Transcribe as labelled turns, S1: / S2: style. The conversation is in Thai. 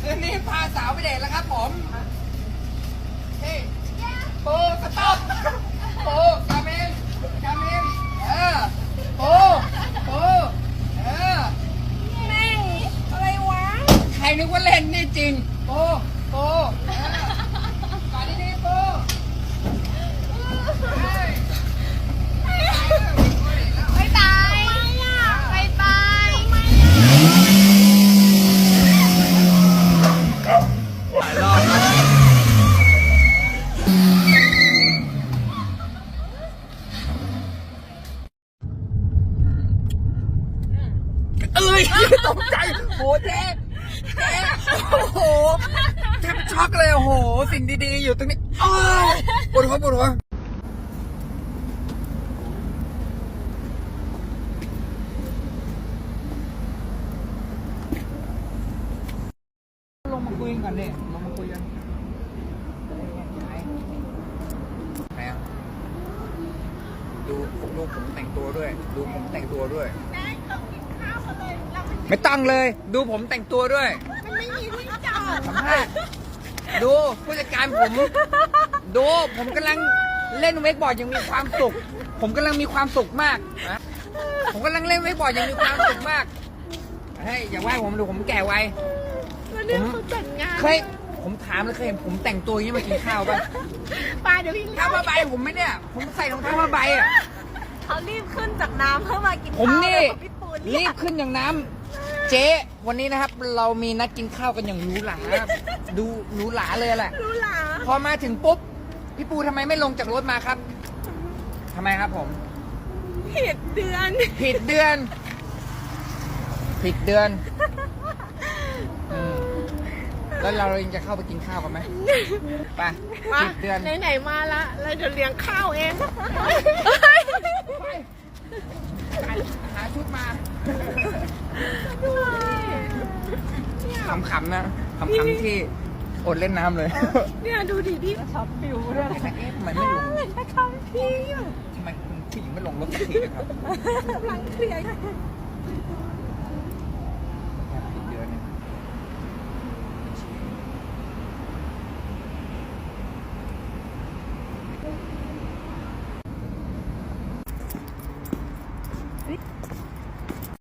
S1: คืนนี้พาสาวไปเดทแล้วครับผมเฮ้ยปูสต๊อปปูกามินปู
S2: แม่งอะไรวะ
S1: ใครนึกว่าเล่นนี่จริงปูก่อนดีๆปู
S2: ไม่ตายไม่ตาย
S1: หลายรอบนะตกใจโหเจ๊โอ้โหแทบช็อกเลยโอ้โหสิ่งดีๆอยู่ตรงนี้อ้าวปวดหัวลงมาคุยกันก่อนดิลงมาคุยกันไหนอ่ะดูผมแต่งตัวด้วยดูผมแต่งตัวด้วยไม่ต้องเลยดูผมแต่งตัวด้วย
S2: มันไม่มีที่จอด
S1: สัมภาษณ์ดูผู้จัดการผมดูผมกำลังเล่นเวกบอร์ดยังมีความสุขผมกำลังมีความสุขมากนะผมกำลังเล่นเวกบอร์ดยังมีความสุขมากเฮ้ยอย่าว่าผมดูผมแก่ไวผมผมถามเลยเคยเห็นผมแต่งตัวอย่างนี้มากินข้าวป่ะ
S2: ปลาเดี๋ยวพี่
S1: ข้าวผ้าใบผมไหมเนี่ยผมใส่รองเท้าผ้าใบอ่ะ
S2: เขารีบขึ้นจากน้ำเพื่อมากินข้าว
S1: ผมนี่รีบขึ้นอย่างน้ำเจ๊วันนี้นะครับเรามีนัดกินข้าวกันอย่างหรูหราดูหรูหราเลยแหละ
S2: รู้หรอ
S1: พอมาถึงปุ๊บพี่ปูทำไมไม่ลงจากรถมาครับทำไมครับผม
S2: ผิดเดือน
S1: แล้วเราเองจะเข้าไปกินข้าวกันไหมไปผิดเดือน
S2: ไหนมาละเราจะเลี้ยงข้าวเอง
S1: หาชุดมาขำๆนะขำๆที่อดเล่นน้ำเลย
S2: เนี่ยดูดิพี่ช็อปฟิวด้วย
S1: ทำไมไม่ลง
S2: ทำพี่
S1: ทำไมคุณผู้หญิงไม่ลงรถสักทีครับ
S2: กำลังเคลียร์